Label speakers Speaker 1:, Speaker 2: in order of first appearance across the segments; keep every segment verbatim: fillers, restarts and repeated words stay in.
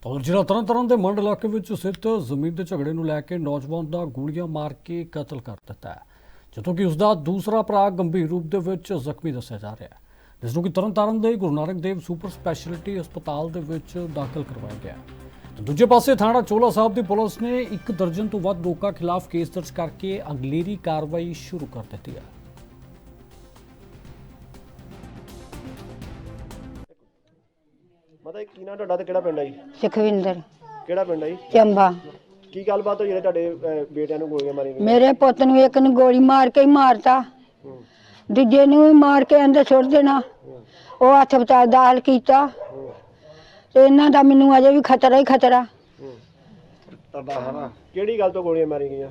Speaker 1: और जिला तरन ताਰਨ ਦੇ ਮੰਡ ਇਲਾਕੇ ਵਿੱਚ ਸਥਿਤ ਜ਼ਮੀਨ ਦੇ ਝਗੜੇ ਨੂੰ ਲੈ ਕੇ ਨੌਜਵਾਨ ਦਾ ਗੋਲੀਆਂ ਮਾਰ ਕੇ ਕਤਲ ਕਰ ਦਿੱਤਾ ਹੈ, ਜਦੋਂ ਕਿ ਉਸ ਦਾ ਦੂਸਰਾ ਭਰਾ ਗੰਭੀਰ ਰੂਪ ਦੇ ਵਿੱਚ ਜ਼ਖਮੀ ਦੱਸਿਆ ਜਾ ਰਿਹਾ ਹੈ, ਜਿਸ ਨੂੰ ਕਿ ਤਰਨ ਤਾਰਨ ਦੇ ਗੁਰੂ ਨਾਨਕ ਦੇਵ ਸੁਪਰ ਸਪੈਸ਼ਲਿਟੀ ਹਸਪਤਾਲ ਦੇ ਵਿੱਚ ਦਾਖਲ ਕਰਵਾਇਆ ਗਿਆ। ਦੂਜੇ ਪਾਸੇ ਥਾਣਾ ਚੋਲਾ ਸਾਹਿਬ ਦੀ ਪੁਲਿਸ ਨੇ ਇੱਕ ਦਰਜਨ ਤੋਂ ਵੱਧ ਲੋਕਾਂ ਖਿਲਾਫ ਕੇਸ ਦਰਜ ਕਰਕੇ ਅਗਲੇਰੀ ਕਾਰਵਾਈ ਸ਼ੁਰੂ ਕਰ ਦਿੱਤੀ ਹੈ।
Speaker 2: ਮਾਤਾ ਜੀ ਕੀ ਨਾਂ ਤੁਹਾਡਾ ਤੇ ਕਿਹੜਾ ਪਿੰਡ ਹੈ ਜੀ?
Speaker 3: ਸੁਖਵਿੰਦਰ
Speaker 2: ਕਿਹੜਾ ਪਿੰਡ ਹੈ ਜੀ?
Speaker 3: ਚੰਬਾ।
Speaker 2: ਕੀ ਗੱਲਬਾਤ ਹੋਈ ਜਿਹੜੇ ਤੁਹਾਡੇ ਅਹ, ਬੇਟਿਆਂ ਨੂੰ ਗੋਲੀਆਂ ਮਾਰੀਆਂ ਗਈਆਂ?
Speaker 3: ਮੇਰੇ ਪੁੱਤ ਨੂੰ ਇੱਕ ਨੂੰ ਗੋਲੀ ਮਾਰ ਕੇ ਹੀ ਮਾਰਤਾ,
Speaker 2: ਹੂੰ,
Speaker 3: ਦੂਜੇ ਨੂੰ ਵੀ ਮਾਰ ਕੇ ਅੰਦਰ ਸੁੱਟ ਦੇਣਾ।
Speaker 2: ਹੂੰ,
Speaker 3: ਉਹ ਹਸਪਤਾਲ ਦਾਖਲ ਕੀਤਾ
Speaker 2: ਹੂੰ,
Speaker 3: ਤੇ ਇਹਨਾਂ ਦਾ ਮੈਨੂੰ ਅਜੇ ਵੀ ਖਤਰਾ ਹੀ ਖਤਰਾ।
Speaker 2: ਹੂੰ। ਕਿਹੜੀ ਗੱਲ ਤੋਂ ਗੋਲੀਆਂ ਮਾਰੀਆਂ ਗਈਆਂ?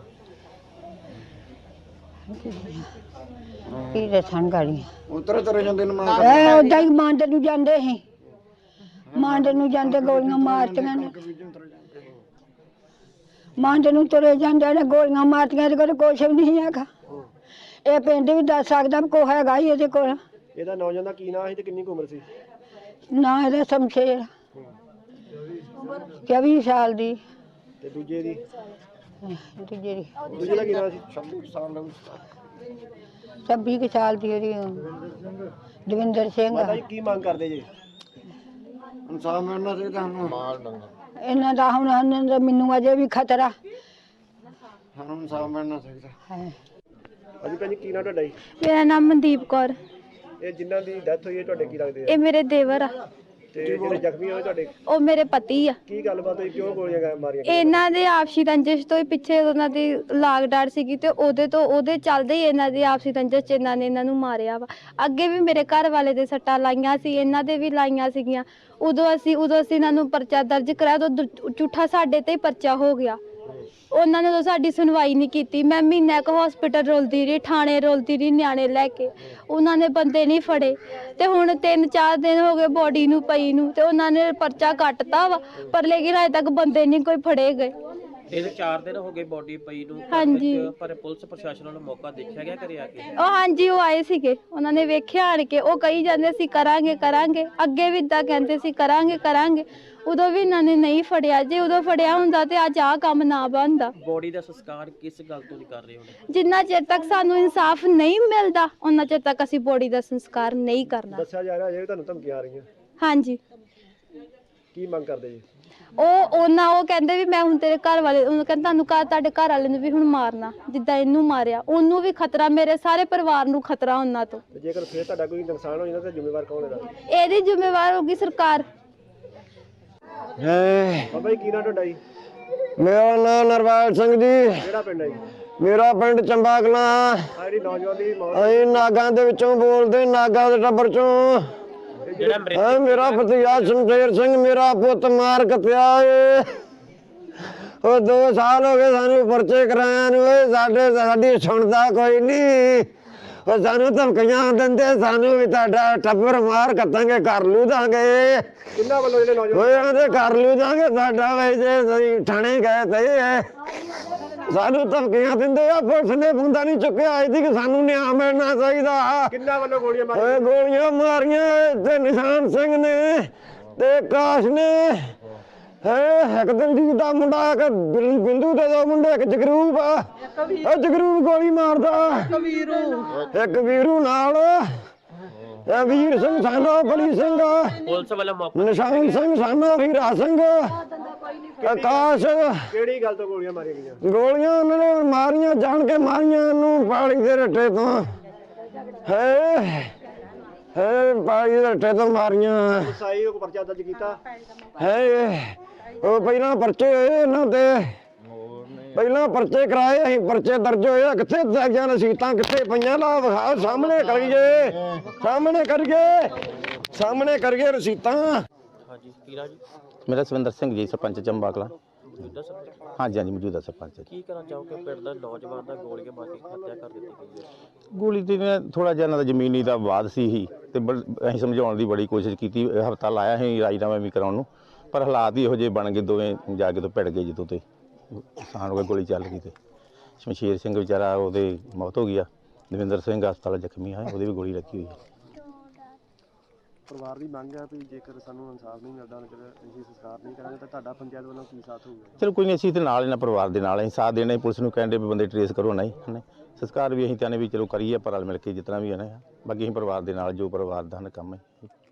Speaker 3: ਕੀ ਦੱਸਾਂ ਗਾੜੀ
Speaker 4: ਉਤਰੇ ਤਰੇ ਜਾਂਦੇ ਨੇ ਮਾਂ
Speaker 3: ਐ ਉਦਾਂ ਹੀ ਮੰਡ ਨੂੰ ਜਾਂਦੇ ਸੀ, ਮੰਡ ਨੂੰ ਜਾਂਦੇ ਗੋਲੀਆਂ ਮਾਰਤੀਆਂ ਨੇ, ਮੰਡ ਨੂੰ ਤੁਰੇ ਜਾਂਦੇ ਨੇ ਗੋਲੀਆਂ ਮਾਰਤੀਆਂ। ਇਹਦੇ ਕੋਲ ਕੁਛ ਵੀ ਨਹੀਂ ਹੈਗਾ, ਇਹ ਪਿੰਡ ਵੀ ਦੱਸ ਸਕਦਾ ਵੀ ਕੋ ਹੈਗਾ ਹੀ ਇਹਦੇ ਕੋਲ।
Speaker 2: ਇਹਦਾ ਨੌਜਵਾਨ ਦਾ ਕੀ ਨਾਂ ਸੀ ਤੇ ਕਿੰਨੀ ਕੁ ਉਮਰ ਸੀ?
Speaker 3: ਨਾ ਇਹਦਾ ਸ਼ਮਸ਼ੇਰ ਚੌਵੀ ਸਾਲ ਦੀ,
Speaker 2: ਤੇ ਦੂਜੇ ਦੀ
Speaker 3: ਦੂਜੇ ਦੀ
Speaker 2: ਦੂਜੇ ਦਾ ਕੀ ਨਾਂ ਸੀ?
Speaker 3: ਛੱਬੀ ਕੁ ਸਾਲ ਦੀ ਉਹਦੀ ਦਵਿੰਦਰ ਸਿੰਘ।
Speaker 2: ਮਾਤਾ ਜੀ ਕੀ ਮੰਗ ਕਰਦੇ ਜੀ?
Speaker 4: ਇਨਸਾਫ ਮਿਲਣਾ ਚਾਹੀਦਾ ਸਾਨੂੰ।
Speaker 3: ਇਹਨਾਂ ਦਾ ਹੁਣ ਇਹਨਾਂ ਦਾ ਮੈਨੂੰ ਅਜੇ ਵੀ ਖਤਰਾ
Speaker 4: ਸਾਨੂੰ ਇਨਸਾਫ ਮਿਲਣਾ ਚਾਹੀਦਾ
Speaker 3: ਹੈ।
Speaker 2: ਅਜੀ ਭੈਣ ਜੀ ਕੀ ਨਾਂ ਤੁਹਾਡਾ ਜੀ?
Speaker 5: ਮੇਰਾ ਨਾਮ ਮਨਦੀਪ ਕੌਰ।
Speaker 2: ਇਹ ਜਿਨ੍ਹਾਂ ਦੀ ਡੈਥ ਹੋਈ ਹੈ ਤੁਹਾਡੇ ਕੀ ਲੱਗਦੇ ਆ?
Speaker 5: ਇਹ ਮੇਰੇ ਦੇਵਰ ਆ,
Speaker 2: ਤੇ ਜਿਹੜੇ ਜ਼ਖਮੀ ਹੋਏ ਤੁਹਾਡੇ
Speaker 5: ਉਹ ਮੇਰੇ ਪਤੀ ਆ।
Speaker 2: ਕੀ ਗੱਲਬਾਤ ਹੋਈ? ਕਿਉਂ ਗੋਲੀਆਂ ਗਾ- ਮਾਰੀਆਂ ਗਈਆਂ?
Speaker 5: ਇਹਨਾਂ ਦੇ ਆਪਸੀ ਰੰਜਿਸ਼ ਤੋਂ ਹੀ ਪਿੱਛੇ ਉਹਨਾਂ ਦੀ ਲਾਗ ਡਾਟ ਸੀਗੀ ਤੇ ਉਹਦੇ ਤੋਂ ਉਹਦੇ ਚੱਲਦੇ ਹੀ ਇਹਨਾਂ ਦੀ ਆਪਸੀ ਰੰਜਿਸ਼ 'ਚ ਇਹਨਾਂ ਨੇ ਇਹਨਾਂ ਨੂੰ ਮਾਰਿਆ ਵਾ। ਅੱਗੇ ਵੀ ਮੇਰੇ ਘਰ ਵਾਲੇ ਦੇ ਸੱਟਾਂ ਲਾਈਆਂ ਸੀ, ਇਹਨਾਂ ਦੇ ਵੀ ਲਾਈਆਂ ਸੀਗੀਆਂ। ਉਦੋਂ ਅਸੀਂ ਉਦੋਂ ਅਸੀਂ ਇਹਨਾਂ ਨੂੰ ਪਰਚਾ ਦਰਜ ਕਰਾਇਆ, ਉਦੋਂ ਦੁ- ਝੂਠਾ ਸਾਡੇ ਤੇ ਹੀ ਪਰਚਾ ਹੋ ਗਿਆ। ਉਹਨਾਂ ਨੇ ਉਦੋਂ ਸਾਡੀ ਸੁਣਵਾਈ ਨਹੀਂ ਕੀਤੀ। ਮੈਂ ਮਹੀਨਾ ਕੁ ਹਸਪੀਟਲ ਰੁਲਦੀ ਰਹੀ, ਥਾਣੇ ਰੁਲਦੀ ਰਹੀ ਨਿਆਣੇ ਲੈ ਕੇ, ਉਹਨਾਂ ਨੇ ਬੰਦੇ ਨਹੀਂ ਫੜੇ। ਤੇ ਹੁਣ ਤਿੰਨ ਚਾਰ ਦਿਨ ਹੋ ਗਏ ਬੋਡੀ ਨੂੰ ਪਈ ਨੂੰ, ਤੇ ਉਹਨਾਂ ਨੇ ਪਰਚਾ ਕੱਟਤਾ ਵਾ, ਪਰ ਲੇਕਿਨ ਅਜੇ ਤੱਕ ਬੰਦੇ ਨਹੀਂ ਕੋਈ ਫੜੇ ਗਏ।
Speaker 6: ਇਹ ਚਾਰ ਦਿਨ ਹੋ ਗਏ ਬੋਡੀ ਪਈ ਨੂੰ,
Speaker 5: ਹਾਂਜੀ।
Speaker 6: ਪਰ ਪੁਲਿਸ ਪ੍ਰਸ਼ਾਸਨ ਨੂੰ ਮੌਕਾ ਦੇਖਿਆ ਗਿਆ ਘਰੇ ਆ ਕੇ?
Speaker 5: ਉਹ ਹਾਂਜੀ ਉਹ ਆਏ ਸੀਗੇ, ਉਹਨਾਂ ਨੇ ਵੇਖਿਆ ਆਣ ਕੇ, ਉਹ ਕਹੀ ਜਾਂਦੇ ਸੀ ਕਰਾਂਗੇ ਕਰਾਂਗੇ, ਅੱਗੇ ਵੀ ਇਦਾਂ ਕਹਿੰਦੇ ਸੀ ਕਰਾਂਗੇ ਕਰਾਂਗੇ। ਉਦੋਂ ਵੀ ਇਹਨਾਂ ਨੇ ਨਹੀਂ ਫੜਿਆ। ਜੇ ਉਦੋਂ ਫੜਿਆ ਹੁੰਦਾ ਤੇ ਅੱਜ ਆਹ ਕੰਮ ਨਾ ਬਣਦਾ।
Speaker 6: ਬੋਡੀ ਦਾ ਸੰਸਕਾਰ ਕਿਸ ਗੱਲ ਤੋਂ ਨਹੀਂ ਕਰ ਰਹੇ ਹੋ?
Speaker 5: ਜਿੰਨਾ ਚਿਰ ਤੱਕ ਸਾਨੂੰ ਇਨਸਾਫ ਨਹੀਂ ਮਿਲਦਾ ਉਹਨਾਂ ਚਿਰ ਤੱਕ ਅਸੀਂ ਬੋਡੀ ਦਾ ਸੰਸਕਾਰ ਨਹੀਂ ਕਰਨਾ।
Speaker 2: ਦੱਸਿਆ ਜਾ ਰਿਹਾ ਅਜੇ ਵੀ ਤੁਹਾਨੂੰ ਧਮਕੀਆਂ ਆ ਰਹੀਆਂ,
Speaker 5: ਹਾਂਜੀ।
Speaker 2: ਕੀ ਮੰਗ ਕਰਦੇ ਜੀ?
Speaker 5: ਉਹ ਉਹਨਾਂ ਉਹ ਕਹਿੰਦੇ ਵੀ ਮੈਂ ਹੁਣ ਤੇਰੇ ਘਰ ਵਾਲੇ, ਉਹਨੂੰ ਕਹਿੰਦਾ ਤੁਹਾਨੂੰ ਘਰ ਤੁਹਾਡੇ ਘਰ ਵਾਲੇ ਨੂੰ ਵੀ ਹੁਣ ਮਾਰਨਾ, ਜਿੱਦਾਂ ਇਹਨੂੰ ਮਾਰਿਆ ਉਹਨੂੰ ਵੀ ਖਤਰਾ, ਮੇਰੇ ਸਾਰੇ ਪਰਿਵਾਰ ਨੂੰ ਖਤਰਾ ਉਹਨਾਂ ਤੋਂ।
Speaker 2: ਤੇ ਜੇਕਰ ਫਿਰ ਤੁਹਾਡਾ ਕੋਈ ਨੁਕਸਾਨ ਹੋ ਜਾਂਦਾ ਤਾਂ ਜ਼ਿੰਮੇਵਾਰ ਕੌਣ ਇਹਦਾ?
Speaker 5: ਇਹਦੀ ਜ਼ਿੰਮੇਵਾਰ ਹੋਗੀ ਸਰਕਾਰ।
Speaker 2: ਬਾਬਾ ਜੀ ਕੀ ਨਾਂ ਤੁਹਾਡਾ ਜੀ?
Speaker 4: ਮੇਰਾ ਨਾਮ ਨਰਵਾਲ ਸਿੰਘ ਜੀ,
Speaker 2: ਕਿਹੜਾ ਪਿੰਡ ਹੈ ਜੀ?
Speaker 4: ਮੇਰਾ ਪਿੰਡ ਚੰਬਾ ਕਲਾਂ।
Speaker 2: ਆ ਜਿਹੜੀ ਨੌਜਵਾਨ ਦੀ ਮੌਤ
Speaker 4: ਅਸੀਂ ਨਾਗਾਂ ਦੇ ਵਿੱਚੋਂ ਬੋਲਦੇ, ਨਾਗਾਂ ਦੇ ਟੱਬਰ ਚੋਂ।
Speaker 6: ਜਿਹੜਾ ਮ੍ਰਿਤਕ
Speaker 4: ਹਾਂ, ਮੇਰਾ ਭਤੀਜਾ ਸ਼ਮਸ਼ੇਰ ਸਿੰਘ ਮੇਰਾ ਪੁੱਤ ਮਾਰ ਕੱਤਿਆ ਏ। ਉਹ ਦੋ ਸਾਲ ਹੋ ਗਏ ਸਾਨੂੰ ਪਰਚੇ ਕਰਾਇਆ ਨੂੰ, ਏ ਸਾਡੇ ਸਾਡੀ ਸੁਣਦਾ ਕੋਈ ਨਹੀਂ। ਉਹ ਸਾਨੂੰ ਧਮਕੀਆਂ ਦਿੰਦੇ, ਸਾਨੂੰ ਵੀ ਤੁਹਾਡਾ ਟੱਬਰ ਮਾਰ ਕੱਤਾਂਗੇ, ਕਰ ਲੂ ਦਾਂਗੇ।
Speaker 2: ਕਿੰਨਾ ਵੱਲੋਂ ਜਿਹੜੇ ਨੌਜਵਾਨ
Speaker 4: ਓਏ ਆਂਦੇ ਕਰ ਲੂ ਦਾਂਗੇ, ਸਾਡਾ ਵੇ ਜੇ ਅਸੀਂ ਥਾਣੇ ਗਏ ਤੇ ਸਾਨੂੰ ਧਮਕੀਆਂ ਦਿੰਦੇ ਆ। ਪੁਲਿਸ ਨੇ ਬੰਦਾ ਨਹੀਂ ਚੁੱਕਿਆ, ਇਹਦੀ ਕਿ ਸਾਨੂੰ ਨਿਆਂ ਮਿਲਣਾ ਚਾਹੀਦਾ।
Speaker 2: ਕਿੰਨਾ ਵੱਲੋਂ ਗੋਲੀਆਂ ਮਾਰੀਆਂ?
Speaker 4: ਓਏ ਗੋਲੀਆਂ ਮਾਰੀਆਂ ਤੇ ਨਿਸ਼ਾਨ ਸਿੰਘ ਨੇ ਤੇ ਕਾਸ਼ ਨੇ, ਹੈ ਇੱਕ ਦਲਜੀਤ ਦਾ ਮੁੰਡਾ, ਇੱਕ ਬਿੰ- ਬਿੰਦੂ ਦੇ ਦੋ ਮੁੰਡੇ, ਇੱਕ ਜਗਰੂਪ ਆ। ਉਹ ਜਗਰੂਪ ਗੋਲੀ ਮਾਰਦਾ, ਇੱਕ ਵੀਰੂ ਨਾਲ, ਇਹ ਵੀਰ ਸਿੰਘ ਸਾਨਾ ਬਲੀ ਸਿੰਘ,
Speaker 6: ਪੁਲਿਸ ਵੱਲੋਂ ਮੌਕਾ
Speaker 4: ਨਿਸ਼ਾਨ ਸਿੰਘ ਸਾਨਾ ਵੀਰਾ ਸਿੰਘ, ਆਕਾਸ਼।
Speaker 2: ਕਿਹੜੀ ਗੱਲ ਤੋਂ ਗੋਲੀਆਂ ਮਾਰੀਆਂ ਗਈਆਂ?
Speaker 4: ਗੋਲੀਆਂ ਉਹਨਾਂ ਨੇ ਮਾਰੀਆਂ, ਜਾਣ ਕੇ ਮਾਰੀਆਂ ਇਹਨੂੰ ਪਾਲੀ ਦੇ ਰੱਟੇ ਤੋਂ। ਹੈ ਹੈ ਪਾਲੀ ਦੇ ਰੱਟੇ ਤੋਂ ਮਾਰੀਆਂ।
Speaker 2: ਸਾਈ ਉਹ ਪਰਚਾ ਦਰਜ ਕੀਤਾ?
Speaker 4: ਹੈ ਉਹ ਪਹਿਲਾਂ ਪਰਚੇ ਹੋਏ ਇਹਨਾਂ ਤੇ, ਪਹਿਲਾਂ ਪਰਚੇ ਕਰਾਏ ਅਸੀਂ, ਪਰਚੇ ਦਰਜ ਹੋਏ। ਕਿੱਥੇ ਦਾਗੀਆਂ ਰਸੀਤਾਂ ਕਿੱਥੇ ਪਈਆਂ? ਲਾ ਵਿਖਾ, ਸਾਹਮਣੇ ਕਰੀਏ, ਸਾਹਮਣੇ ਕਰੀਏ, ਸਾਹਮਣੇ ਕਰੀਏ ਰਸੀਤਾਂ।
Speaker 6: ਹਾਂਜੀ ਕੀਰਾ ਜੀ,
Speaker 7: ਮੇਰਾ ਸਵਿੰਦਰ ਸਿੰਘ ਜੀ, ਸਰਪੰਚ ਚੰਬਾ ਕਲਾਂ।
Speaker 6: ਮੌਜੂਦਾ ਸਰਪੰਚ
Speaker 7: ਹਾਂਜੀ ਹਾਂਜੀ, ਮੌਜੂਦਾ ਸਰਪੰਚ।
Speaker 6: ਕੀ ਕਰਨਾ ਚਾਹੋਗੇ? ਪਿੰਡ ਦਾ ਨੌਜਵਾਨ ਦਾ ਗੋਲੀਆਂ ਮਾਰ ਕੇ ਹੱਤਿਆ ਕਰ ਦਿੱਤੀ ਗਈ ਹੈ।
Speaker 7: ਗੋਲੀ ਤੇ ਥੋੜਾ ਜਿਹਾ ਇਹਨਾਂ ਦਾ ਜ਼ਮੀਨੀ ਦਾ ਵਾਦ ਸੀ ਹੀ, ਤੇ ਬੜ- ਅਸੀਂ ਸਮਝਾਉਣ ਦੀ ਬੜੀ ਕੋਸ਼ਿਸ਼ ਕੀਤੀ। ਹਫਤਾ ਲਾਇਆ ਸੀ ਰਾਜੀਨਾਮਾ ਵੀ ਕਰਾਉਣ ਨੂੰ, ਪਰ ਹਾਲਾਤ ਹੀ ਇਹੋ ਜਿਹੇ ਬਣ ਗਏ, ਦੋਵੇਂ ਜਾ ਕੇ ਤੋਂ ਭਿੜ ਗਏ ਜਦੋਂ ਤੇ ਨੁਕਸਾਨ ਹੋ ਗਿਆ, ਗੋਲੀ ਚੱਲ ਗਈ। ਤੇ ਸ਼ਮਸ਼ੇਰ ਸਿੰਘ ਵਿਚਾਰਾ, ਉਹਦੇ ਮੌਤ ਹੋ ਗਈ ਆ। ਦਵਿੰਦਰ ਸਿੰਘ ਹਸਪਤਾਲ ਜ਼ਖਮੀ ਆ, ਉਹਦੇ ਵੀ ਗੋਲੀ ਲੱਗੀ ਹੋਈ ਹੈ।
Speaker 2: ਪਰਿਵਾਰ ਦੀ ਮੰਗ ਹੈ ਵੀ ਜੇਕਰ ਸਾਨੂੰ ਇਨਸਾਫ ਨਹੀਂ ਮਿਲਦਾ ਜੇਕਰ ਅਸੀਂ ਸੰਸਕਾਰ ਨਹੀਂ ਕਰਾਂਗੇ ਤਾਂ ਤੁਹਾਡਾ ਪੰਚਾਇਤ ਵੱਲੋਂ ਕੀ ਸਾਥ ਹੋਊਗਾ?
Speaker 7: ਚਲੋ ਕੋਈ ਨਹੀਂ, ਅਸੀਂ ਤੇ ਨਾਲ ਇਹਨਾਂ ਪਰਿਵਾਰ ਦੇ ਨਾਲ ਅਸੀਂ ਸਾਥ ਦੇਣਾ, ਪੁਲਿਸ ਨੂੰ ਕਹਿੰਦੇ ਵੀ ਬੰਦੇ ਟਰੇਸ ਕਰੋ ਨਹੀਂ ਹਨੇ ਸੰਸਕਾਰ ਵੀ ਅਸੀਂ ਚਾਹੁੰਦੇ ਵੀ ਚਲੋ ਕਰੀਏ ਪਰ ਰਲ ਮਿਲ ਕੇ ਜਿਤਨਾ ਵੀ ਹੈ ਨਾ, ਬਾਕੀ ਅਸੀਂ ਪਰਿਵਾਰ ਦੇ ਨਾਲ ਜੋ ਪਰਿਵਾਰ ਦਾ ਕੰਮ ਹੈ